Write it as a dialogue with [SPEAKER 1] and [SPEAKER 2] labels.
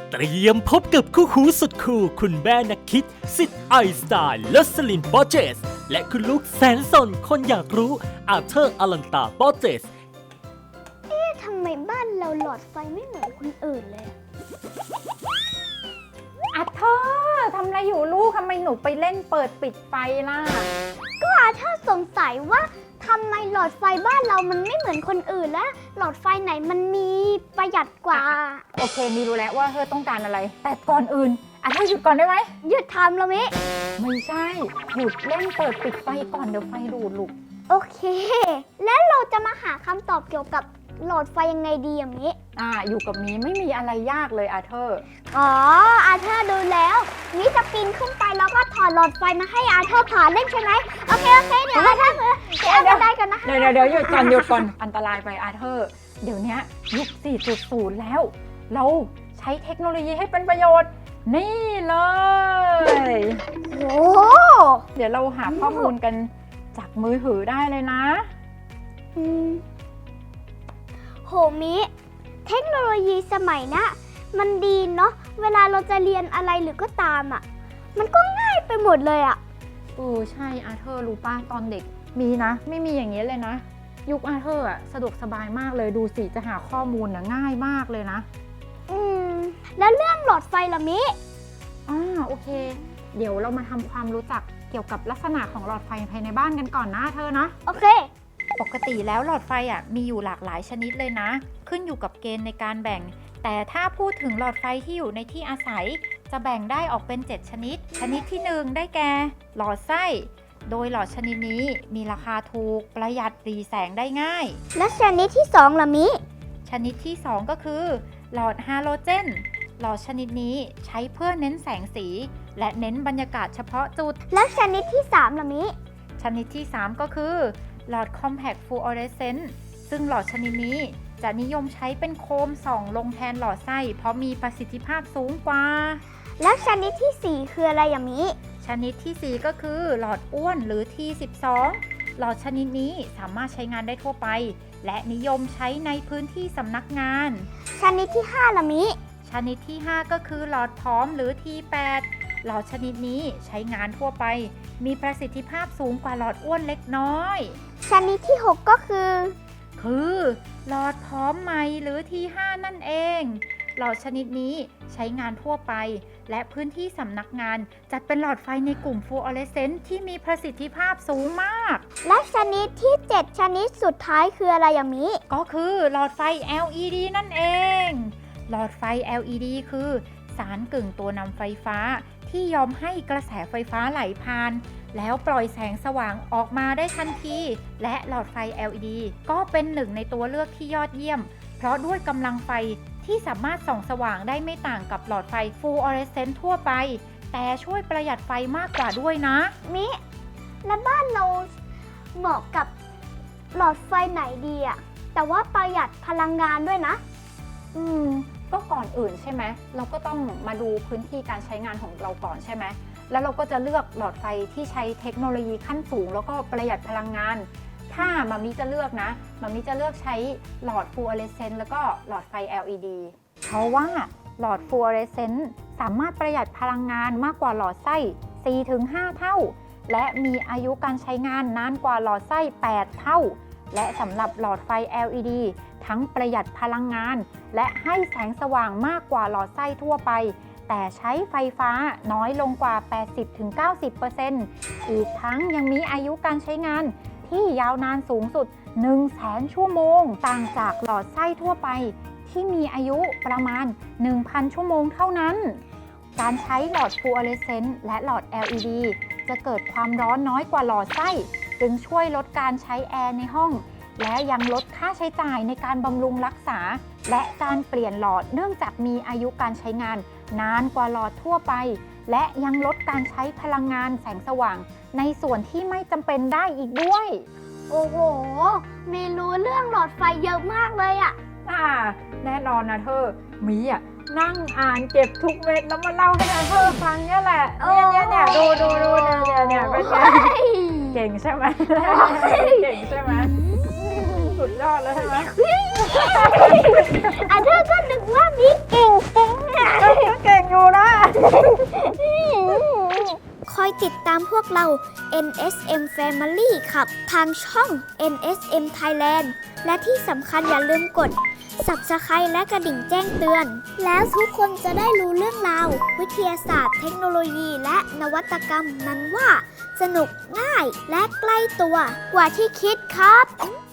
[SPEAKER 1] เตรียมพบกับคู่หูสุดคูลคุณแม่นักคิดสิทธิ์ไอน์สไตน์และสลินบอเจสและคุณลูกแสนสนคนอยากรู้อาเธอร์อลันตาบอเจส
[SPEAKER 2] ทำไมบ้านเราหลอดไฟไม่เหมือนคนอื่นเลย
[SPEAKER 3] อาเธอร์ทำอะไรอยู่ลูกทำไมหนูไปเล่นเปิดปิดไฟล่ะ
[SPEAKER 2] ก็อาเธอร์สงสัยว่าทำไมหลอดไฟบ้านเรามันไม่เหมือนคนอื่นและหลอดไฟไหนมันมีประหยัดกว่า
[SPEAKER 3] โอเคมีรู้แล้วว่าเธอต้องการอะไรแต่ก่อนอื่นอาเธอร์หยุดก่อนได้ไหม
[SPEAKER 2] หยุดทำแล้วมิ
[SPEAKER 3] ไม่ใช่หยุดเล่นเปิดปิดไฟก่อนเดี๋ยวไฟดูดลูก
[SPEAKER 2] โอเคแล้วเราจะมาหาคำตอบเกี่ยวกับหลอดไฟยังไงดีมิ
[SPEAKER 3] อยู่กับมีไม่มีอะไรยากเลยอาเธอร์
[SPEAKER 2] อาเธอร์ดูแล้วมิจะปีนขึ้นไปแล้วก็ถอดหลอดไฟมาให้อาเธอร์ผ่าเล่นใช่ไหมโอเคเดี๋ยวอาเธอร์เดี๋ยวได้กันนะ
[SPEAKER 3] เดี๋ยวหยุดก่อนอันตรายไปอาเธอร์เดี๋ยวนี้ยุค 4.0 แล้วเราใช้เทคโนโลยีให้เป็นประโยชน์นี่เลย
[SPEAKER 2] โอ้
[SPEAKER 3] เดี๋ยวเราหาข้อมูลกันจากมือถือได้เลยนะ
[SPEAKER 2] โหมิเทคโนโลยีสมัยนะมันดีเนาะเวลาเราจะเรียนอะไรหรือก็ตามมันก็ง่ายไปหมดเลย
[SPEAKER 3] ใช่อาเธอร์รู้ป่ะตอนเด็กมีนะไม่มีอย่างนี้เลยนะยุคอาเธอร์สะดวกสบายมากเลยดูสิจะหาข้อมูลง่ายมากเลยนะ
[SPEAKER 2] แล้วเรื่องหลอดไฟล่ะมิ
[SPEAKER 3] โอเคเดี๋ยวเรามาทำความรู้จักเกี่ยวกับลักษณะของหลอดไฟภายในบ้านกันก่อนนะเธอนะ
[SPEAKER 2] โอเค
[SPEAKER 3] ปกติแล้วหลอดไฟมีอยู่หลากหลายชนิดเลยนะขึ้นอยู่กับเกณฑ์ในการแบ่งแต่ถ้าพูดถึงหลอดไฟที่อยู่ในที่อาศัยจะแบ่งได้ออกเป็น7ชนิดชนิดที่1ได้แก่หลอดไส้โดยหลอดชนิดนี้มีราคาถูกประหยัดหรี่แสงได้ง่าย
[SPEAKER 2] และชนิดที่2ล่ะมิ
[SPEAKER 3] ชนิดที่2ก็คือหลอดฮาโลเจนหลอดชนิดนี้ใช้เพื่อเน้นแสงสีและเน้นบรรยากาศเฉพาะจุด
[SPEAKER 2] และชนิดที่3ล่ะมิ
[SPEAKER 3] ชนิดที่3ก็คือหลอด Compact Fluorescent ซึ่งหลอดชนิดนี้จะนิยมใช้เป็นโคมส่องลงแทนหลอดไส้เพราะมีประสิทธิภาพสูงกว่า
[SPEAKER 2] แล้วชนิดที่4คืออะไรอย่างนี้
[SPEAKER 3] ชนิดที่4ก็คือหลอดอ้วนหรือ T12 หลอดชนิดนี้สามารถใช้งานได้ทั่วไปและนิยมใช้ในพื้นที่สำนักงาน
[SPEAKER 2] ชนิดที่5ล่ะมิ
[SPEAKER 3] ชนิดที่5ก็คือหลอดพร้อมหรือ T8 หลอดชนิดนี้ใช้งานทั่วไปมีประสิทธิภาพสูงกว่าหลอดอ้วนเล็กน้อย
[SPEAKER 2] ชนิดที่6ก็คือ
[SPEAKER 3] หลอดพร้อมใหม่หรือ T5 นั่นเองหลอดชนิดนี้ใช้งานทั่วไปและพื้นที่สำนักงานจัดเป็นหลอดไฟในกลุ่มฟลูออเรสเซนต์ที่มีประสิทธิภาพสูงมาก
[SPEAKER 2] และชนิดที่7ชนิดสุดท้ายคืออะไรอย่างนี้
[SPEAKER 3] ก็คือหลอดไฟ LED นั่นเองหลอดไฟ LED คือสารกึ่งตัวนำไฟฟ้าที่ยอมให้กระแสไฟฟ้าไหลผ่านแล้วปล่อยแสงสว่างออกมาได้ทันทีและหลอดไฟ LED ก็เป็นหนึ่งในตัวเลือกที่ยอดเยี่ยมเพราะด้วยกำลังไฟที่สามารถส่องสว่างได้ไม่ต่างกับหลอดไฟฟลูออเรสเซนต์ทั่วไปแต่ช่วยประหยัดไฟมากกว่าด้วยนะ
[SPEAKER 2] มิและบ้านเราเหมาะกับหลอดไฟไหนดีแต่ว่าประหยัดพลังงานด้วยนะ
[SPEAKER 3] ก็ก่อนอื่นใช่ไหมเราก็ต้องมาดูพื้นที่การใช้งานของเราก่อนใช่ไหมแล้วเราก็จะเลือกหลอดไฟที่ใช้เทคโนโลยีขั้นสูงแล้วก็ประหยัดพลังงานถ้ามามิจะเลือกนะมามิจะเลือกใช้หลอดฟลูออเรสเซนต์แล้วก็หลอดไฟ LED เพราะว่าหลอดฟลูออเรสเซนต์สามารถประหยัดพลังงานมากกว่าหลอดไส้ 4-5 เท่าและมีอายุการใช้งานนานกว่าหลอดไส้ 8 เท่าและสำหรับหลอดไฟ LED ทั้งประหยัดพลังงานและให้แสงสว่างมากกว่าหลอดไส้ทั่วไปแต่ใช้ไฟฟ้าน้อยลงกว่า 80-90% อีกทั้งยังมีอายุการใช้งานที่ยาวนานสูงสุด 100,000 ชั่วโมงต่างจากหลอดไส้ทั่วไปที่มีอายุประมาณ 1,000 ชั่วโมงเท่านั้นการใช้หลอดฟลูออเรสเซนต์และหลอด LED จะเกิดความร้อนน้อยกว่าหลอดไส้จึงช่วยลดการใช้แอร์ในห้องและยังลดค่าใช้จ่ายในการบำรุงรักษาและการเปลี่ยนหลอดเนื่องจากมีอายุการใช้งานนานกว่าหลอดทั่วไปและยังลดการใช้พลังงานแสงสว่างในส่วนที่ไม่จำเป็นได้อีกด้วย
[SPEAKER 2] โอ้โหมีรู้เรื่องหลอดไฟเยอะมากเลย
[SPEAKER 3] แน่นอนนะเธอมีนั่งอ่านเก็บทุกเม็ดแล้วมาเล่าให้เธอฟังเนี่ยแหละเนี่ยดูเนี่ยเป็นไงเก่งใช่ไหมเก่งใช่ไหมสุดยอดแล้วใช่ไหม
[SPEAKER 2] เธอก็นึกว่ามีเก่งคอยติดตามพวกเรา NSM Family ครับทางช่อง NSM Thailand และที่สำคัญอย่าลืมกด Subscribe และกระดิ่งแจ้งเตือน แล้วทุกคนจะได้รู้เรื่องราว วิทยาศาสตร์เทคโนโลยีและนวัตกรรมนั้นว่า สนุกง่ายและใกล้ตัวกว่าที่คิดครับ